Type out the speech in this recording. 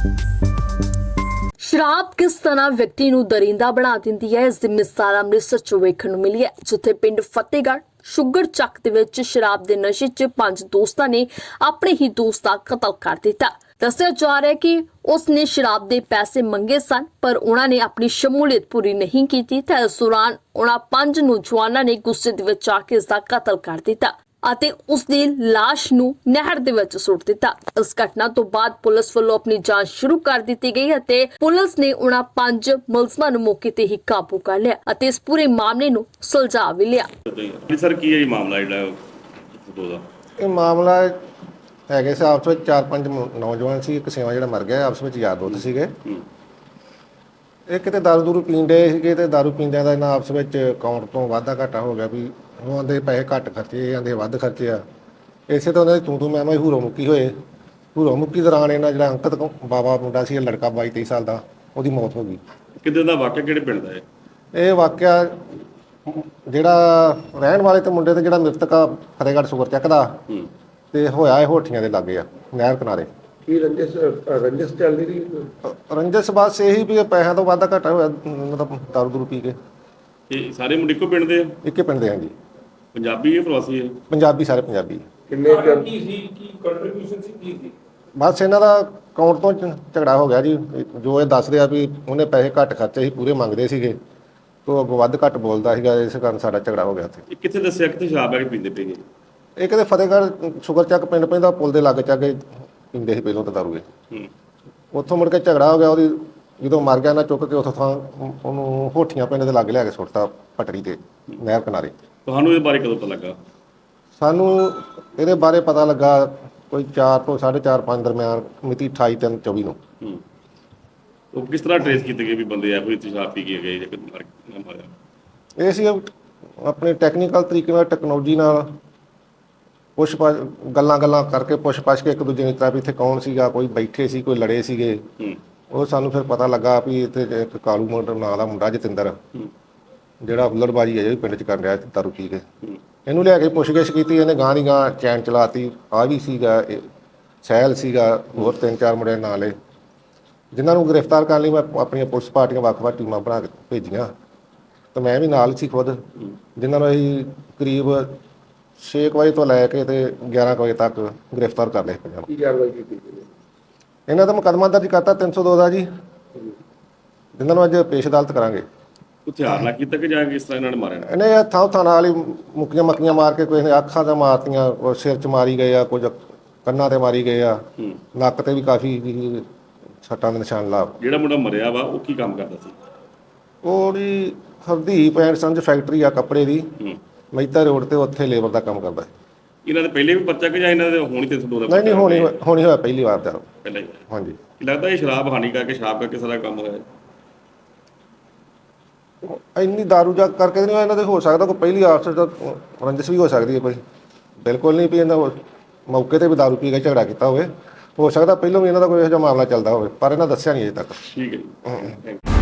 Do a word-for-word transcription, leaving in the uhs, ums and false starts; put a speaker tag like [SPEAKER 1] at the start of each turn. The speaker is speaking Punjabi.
[SPEAKER 1] ਸ਼ਰਾਬ ਕਿਸ ਤਰ੍ਹਾਂ ਵਿਅਕਤੀ ਨੂੰ ਦਰਿੰਦਾ ਬਣਾ ਦਿੰਦੀ ਹੈ, ਇਸ ਦੀ ਮਿਸਾਲ ਅੰਮ੍ਰਿਤਸਰ ਚ ਵੇਖਣ ਨੂੰ ਮਿਲੀ ਹੈ, ਜਿੱਥੇ ਪਿੰਡ ਫਤਿਹਗੜ੍ਹ ਸ਼ੂਗਰ ਚੱਕ ਦੇ ਵਿੱਚ ਸ਼ਰਾਬ ਦੇ ਨਸ਼ੇ 'ਚ ਪੰਜ ਦੋਸਤਾਂ ਨੇ ਆਪਣੇ ਹੀ ਦੋਸਤ ਦਾ ਕਤਲ ਕਰ ਦਿੱਤਾ। ਦੱਸਿਆ ਜਾ ਰਿਹਾ ਹੈ ਕਿ ਉਸ ਨੇ ਸ਼ਰਾਬ ਦੇ ਪੈਸੇ ਮੰਗੇ ਸਨ, ਪਰ ਉਹਨਾਂ ਨੇ ਆਪਣੀ ਸ਼ਮੂਲੀਅਤ ਪੂਰੀ ਨਹੀਂ ਕੀਤੀ ਤੇ ਇਸ ਦੌਰਾਨ ਉਹਨਾਂ ਪੰਜ ਨੌਜਵਾਨਾਂ ਨੇ ਗੁੱਸੇ ਦੇ ਵਿੱਚ ਆ ਕੇ ਇਸ ਦਾ ਕਤਲ ਕਰ ਦਿੱਤਾ ਅਤੇ ਉਸ ਦੀ ਲਾਸ਼ ਨੂੰ ਨਹਿਰ ਦੇ ਵਿੱਚ ਸੁੱਟ ਦਿੱਤਾ। ਇਸ ਘਟਨਾ ਤੋਂ ਬਾਅਦ ਪੁਲਿਸ ਵੱਲੋਂ ਆਪਣੀ ਜਾਂਚ ਸ਼ੁਰੂ ਕਰ ਦਿੱਤੀ ਗਈ ਅਤੇ ਪੁਲਿਸ ਨੇ ਉਹਨਾਂ ਪੰਜ ਮੁਲਜ਼ਮਾਂ ਨੂੰ ਮੌਕੇ ਤੇ ਹੀ ਕਾਬੂ ਕਰ ਲਿਆ ਅਤੇ ਇਸ ਪੂਰੇ ਮਾਮਲੇ ਨੂੰ ਸੁਲਝਾ ਵੀ ਲਿਆ।
[SPEAKER 2] ਸਰ ਕੀ ਹੈ ਇਹ ਮਾਮਲਾ ਜਿਹੜਾ ਦਾ
[SPEAKER 3] ਇਹ ਮਾਮਲਾ ਹੈਗੇ ਸੀ ਆਪਸ ਵਿੱਚ ਚਾਰ ਪੰਜ ਨੌਜਵਾਨ ਸੀ, ਇੱਕ ਸੇਵਾ ਜਿਹੜਾ ਮਰ ਗਿਆ ਆਪਸ ਵਿੱਚ ਯਾਰ ਦੋਸਤ ਸੀਗੇ। ਇਹ ਕਿਤੇ ਦਾਰੂ ਦੂਰੂ ਪੀਂਦੇ ਸੀਗੇ ਤੇ ਦਾਰੂ ਪੀਂਦਿਆਂ ਦਾ ਇਹਨਾਂ ਆਪਸ ਵਿੱਚ ਅਕਾਊਂਟ ਤੋਂ ਵਾਧਾ ਘਾਟਾ ਹੋ ਗਿਆ ਵੀ ਉਹ ਆਂਦੇ ਪੈਸੇ ਘੱਟ ਖਰਚੇ ਆਂਦੇ ਵੱਧ ਖਰਚੇ ਆ। ਇਸੇ ਤੋਂ ਉਹਨਾਂ ਦੀ ਤੂੰ ਤੂੰ ਮੈਂ ਮੈਂ ਹੂਰੋ ਮੁੱਕੀ ਹੋਏ। ਹੂਰੋ ਮੁੱਕੀ ਦੌਰਾਨ ਇਹਨਾਂ ਜਿਹੜਾ ਅੰਕਤ ਬਾਬਾ ਮੁੰਡਾ ਸੀ, ਲੜਕਾ ਬਾਈ ਤੇਈ ਸਾਲ ਦਾ, ਉਹਦੀ ਮੌਤ ਹੋ ਗਈ।
[SPEAKER 2] ਕਿੱਦਾਂ ਦਾ ਵਾਕਿਆ, ਕਿਹੜੇ ਪਿੰਡ ਦਾ ਹੈ
[SPEAKER 3] ਇਹ ਵਾਕਿਆ? ਜਿਹੜਾ ਰਹਿਣ ਵਾਲੇ ਤੇ ਮੁੰਡੇ ਤੇ ਜਿਹੜਾ ਮ੍ਰਿਤਕ ਆ ਫਤਿਹਗੜ੍ਹ ਸ਼ੂਗਰ ਚੱਕ ਦਾ ਤੇ ਹੋਇਆ ਇਹ ਹੋਠੀਆਂ ਦੇ ਲਾਗੇ ਆ, ਨਹਿਰ ਕਿਨਾਰੇ।
[SPEAKER 4] ਕੀ ਰੰਜਿਸ਼ ਰੰਜਿਸ਼ ਚੱਲਦੀ ਰਹੀ?
[SPEAKER 3] ਰੰਜਿਸ਼ ਬਸ ਇਹੀ ਵੀ ਪੈਸਿਆਂ ਤੋਂ ਵਾਧਾ ਘਾਟਾ ਹੋਇਆ, ਮਤਲਬ ਦਾਰੂ ਦੂਰੂ ਪੀ ਕੇ।
[SPEAKER 2] ਇਹ ਸਾਰੇ ਮੁੰਡੇ ਇੱਕੋ ਪਿੰਡ ਦੇ ਆ?
[SPEAKER 3] ਇੱਕੇ ਪਿੰਡ ਦੇ ਆ ਜੀ।
[SPEAKER 2] ਪੰਜਾਬੀ ਹੈ ਪ੍ਰਵਾਸੀ ਹੈ?
[SPEAKER 3] ਪੰਜਾਬੀ, ਸਾਰੇ ਪੰਜਾਬੀ।
[SPEAKER 4] ਕਿੰਨੇ ਕੀ ਸੀ, ਕੀ ਕੰਟਰੀਬਿਊਸ਼ਨ ਸੀ, ਕੀ ਸੀ?
[SPEAKER 3] ਬਸ ਇਹਨਾਂ ਦਾ ਅਕਾਊਂਟ ਤੋਂ ਝਗੜਾ ਹੋ ਗਿਆ ਜੀ। ਜੋ ਇਹ ਦੱਸਦੇ ਆ ਵੀ ਉਹਨੇ ਪੈਸੇ ਘੱਟ ਖਰਚੇ ਸੀ, ਪੂਰੇ ਮੰਗਦੇ ਸੀਗੇ, ਤੋਂ ਅੱਗੋਂ ਵੱਧ ਘੱਟ ਬੋਲਦਾ ਸੀਗਾ, ਇਸ ਕਾਰਨ ਸਾਡਾ ਝਗੜਾ ਹੋ ਗਿਆ ਉੱਥੇ।
[SPEAKER 2] ਇਹ ਕਿੱਥੇ ਦੱਸਿਆ ਕਿੱਥੇ ਸ਼ਰਾਬ ਆ ਕੇ ਪੀਂਦੇ ਪਏ?
[SPEAKER 3] ਇਹ ਕਿਤੇ ਫਤਿਹਗੜ੍ਹ ਸ਼ੂਗਰ ਚੱਕ ਪਿੰਡ ਪੈਂਦਾ, ਪੁਲ ਦੇ ਲਾਗੇ ਚੱਕ ਕੇ ਪੀਂਦੇ ਸੀ ਪਹਿਲਾਂ ਤਾਂ ਦਾਰੂ ਇਹ। ਉੱਥੋਂ ਮੁੜ ਕੇ ਝਗੜਾ ਹੋ ਗਿਆ, ਉਹਦੀ ਜਦੋਂ ਮਰ ਗਿਆ ਨਾ ਚੁੱਕ ਕੇ ਉੱਥੋਂ ਥਾਂ ਉਹਨੂੰ ਹੋਠੀਆਂ ਪਿੰਡ ਦੇ ਲਾਗੇ ਲਿਆ ਕੇ ਸੁੱਟਤਾ ਪਟੜੀ ਤੇ ਨਹਿਰ ਕਿਨਾਰੇ।
[SPEAKER 2] ਤੁਹਾਨੂੰ ਇਹ ਬਾਰੇ ਕਦੋਂ ਪਤਾ ਲੱਗਾ?
[SPEAKER 3] ਸਾਨੂੰ ਇਹਦੇ ਬਾਰੇ ਪਤਾ ਲੱਗਾ ਕੋਈ ਚਾਰ ਤੋਂ ਸਾਢੇ ਚਾਰ ਪੰਜ ਦਰਮਿਆਨ, ਮਿਤੀ ਅਠਾਈ ਤਿੰਨ ਚੌਵੀ ਨੂੰ।
[SPEAKER 2] ਉਹ ਕਿਸ ਤਰ੍ਹਾਂ ਟ੍ਰੇਸ ਕੀਤੇ ਗਏ ਵੀ ਬੰਦੇ ਇਹੋ ਜਿਹੀ ਸ਼ਰਾਬ ਪੀ ਕੇ ਗਏ ਜਾਂ ਮਰ ਮਾਰਿਆ?
[SPEAKER 3] ਇਹ ਸੀ ਆਪਣੇ ਟੈਕਨੀਕਲ ਤਰੀਕੇ ਨਾਲ, ਟੈਕਨੋਲੋਜੀ ਨਾਲ ਪੁੱਛ ਪਾ ਗੱਲਾਂ ਗੱਲਾਂ ਕਰਕੇ ਪੁੱਛ ਪਛ ਕੇ ਇੱਕ ਦੂਜੇ ਨੂੰ ਤਰ੍ਹਾਂ ਵੀ ਇੱਥੇ ਕੌਣ ਸੀਗਾ, ਕੋਈ ਬੈਠੇ ਸੀ, ਕੋਈ ਲੜੇ ਸੀਗੇ। ਉਹ ਸਾਨੂੰ ਫਿਰ ਪਤਾ ਲੱਗਾ ਵੀ ਇੱਥੇ ਇੱਕ ਕਾਲੂ ਮੁੰਡਾ ਨਾਂ ਦਾ ਮੁੰਡਾ ਜਤਿੰਦਰ, ਜਿਹੜਾ ਹੁੱਲੜਬਾਜੀ ਹੈ ਜਿਹੜੀ ਪਿੰਡ 'ਚ ਕਰ ਰਿਹਾ ਦਾਰੂ ਪੀ ਕੇ। ਇਹਨੂੰ ਲਿਆ ਕੇ ਪੁੱਛਗਿੱਛ ਕੀਤੀ, ਇਹਨੇ ਗਾਂ ਦੀ ਗਾਂ ਚੈਨ ਚਲਾਤੀ। ਆ ਵੀ ਸੀਗਾ, ਸਹਿਲ ਸੀਗਾ, ਹੋਰ ਤਿੰਨ ਚਾਰ ਮੁੰਡੇ ਨਾਲ ਲਏ, ਜਿਨ੍ਹਾਂ ਨੂੰ ਗ੍ਰਿਫਤਾਰ ਕਰਨ ਲਈ ਮੈਂ ਆਪਣੀਆਂ ਪੁਲਿਸ ਪਾਰਟੀਆਂ ਵੱਖ-ਵੱਖ ਟੀਮਾਂ ਬਣਾ ਕੇ ਭੇਜੀਆਂ ਤੇ ਮੈਂ ਵੀ ਨਾਲ ਸੀ ਖੁਦ, ਜਿਨ੍ਹਾਂ ਨੂੰ ਅਸੀਂ ਕਰੀਬ ਛੇ ਕੁ ਵਜੇ ਤੋਂ ਲੈ ਕੇ ਤੇ ਗਿਆਰਾਂ ਕੁ ਵਜੇ ਤੱਕ ਗ੍ਰਿਫਤਾਰ ਕਰ ਲਏ ਪੰਜਾਂ ਨੂੰ।
[SPEAKER 4] ਕੀ ਕਾਰਵਾਈ ਕੀਤੀ?
[SPEAKER 3] ਇਹਨਾਂ ਦਾ ਮੁਕੱਦਮਾ ਦਰਜ ਕਰਤਾ ਤਿੰਨ ਸੌ ਦੋ ਦਾ ਜੀ, ਜਿਨ੍ਹਾਂ ਨੂੰ ਅੱਜ ਪੇਸ਼ ਅਦਾਲਤ ਕਰਾਂਗੇ।
[SPEAKER 2] ਹਥਿਆਰ ਨਾਲ ਕੀਤਾ ਕਿ ਜਾਂ ਕਿਸ ਤਰ੍ਹਾਂ ਇਹਨਾਂ ਨੇ ਮਾਰਿਆ?
[SPEAKER 3] ਇਹਨੇ ਥਾਂ ਥਾਂ ਨਾਲ ਹੀ ਮੁੱਕੀਆਂ ਮੱਕੀਆਂ ਮਾਰ ਕੇ, ਕੋਈ ਨੇ ਅੱਖਾਂ 'ਤੇ ਮਾਰਤੀਆਂ, ਕੋਈ ਸਿਰ 'ਚ ਮਾਰੀ ਗਏ ਆ, ਕੁਝ ਕੰਨਾਂ 'ਤੇ ਮਾਰੀ ਗਏ ਆ, ਨੱਕ 'ਤੇ ਵੀ ਕਾਫੀ ਸੱਟਾਂ ਦੇ ਨਿਸ਼ਾਨ ਲਾ।
[SPEAKER 2] ਜਿਹੜਾ ਮੁੰਡਾ ਮਰਿਆ ਵਾ ਉਹ ਕੀ ਕੰਮ ਕਰਦਾ ਸੀ?
[SPEAKER 3] ਉਹਦੀ ਹਰਦੀਪ ਐਂਡ ਸੰਜ ਫੈਕਟਰੀ ਆ ਕੱਪੜੇ ਦੀ, ਮਹਿਤਾ ਰੋਡ ਤੇ, ਉੱਥੇ ਲੇਬਰ ਦਾ ਕੰਮ ਕਰਦਾ।
[SPEAKER 2] ਇਹਨਾਂ ਦੇ ਪਹਿਲੇ ਵੀ ਪਰਚਾ ਕਿ ਜਾਂ ਇਹਨਾਂ ਦੇ ਹੋਣੀ ਤਿੰਨ ਸੌ ਦੋ ਦਾ?
[SPEAKER 3] ਨਹੀਂ ਨਹੀਂ, ਹੋਣੀ ਹੋਣੀ ਹੋਇਆ ਪਹਿਲੀ ਵਾਰ ਦਾ
[SPEAKER 2] ਪਹਿਲਾਂ ਹੀ।
[SPEAKER 3] ਹਾਂਜੀ।
[SPEAKER 2] ਲੱਗਦਾ ਇਹ ਸ਼ਰਾਬ ਹਾਨੀ ਕਰਕੇ, ਸ਼ਰਾਬ ਕਰਕੇ ਸਾਰਾ ਕੰਮ ਹੋਇਆ?
[SPEAKER 3] ਇੰਨੀ ਦਾਰੂ ਜਾ ਕਰਕੇ ਨਹੀਂ ਇਹਨਾਂ ਦੇ ਹੋ ਸਕਦਾ, ਕੋਈ ਪਹਿਲੀ ਆਪਸ ਦਾ ਰੰਜਿਸ਼ ਵੀ ਹੋ ਸਕਦੀ ਹੈ ਕੋਈ। ਬਿਲਕੁਲ ਨਹੀਂ ਵੀ ਇਹਨਾਂ ਮੌਕੇ 'ਤੇ ਵੀ ਦਾਰੂ ਪੀ ਕੇ ਝਗੜਾ ਕੀਤਾ ਹੋਵੇ, ਹੋ ਸਕਦਾ ਪਹਿਲਾਂ ਵੀ ਇਹਨਾਂ ਦਾ ਕੋਈ ਇਹੋ ਜਿਹਾ ਮਾਮਲਾ ਚੱਲਦਾ ਹੋਵੇ, ਪਰ ਇਹਨਾਂ ਦੱਸਿਆ ਨਹੀਂ ਅਜੇ ਤੱਕ।
[SPEAKER 2] ਠੀਕ ਹੈ ਜੀ।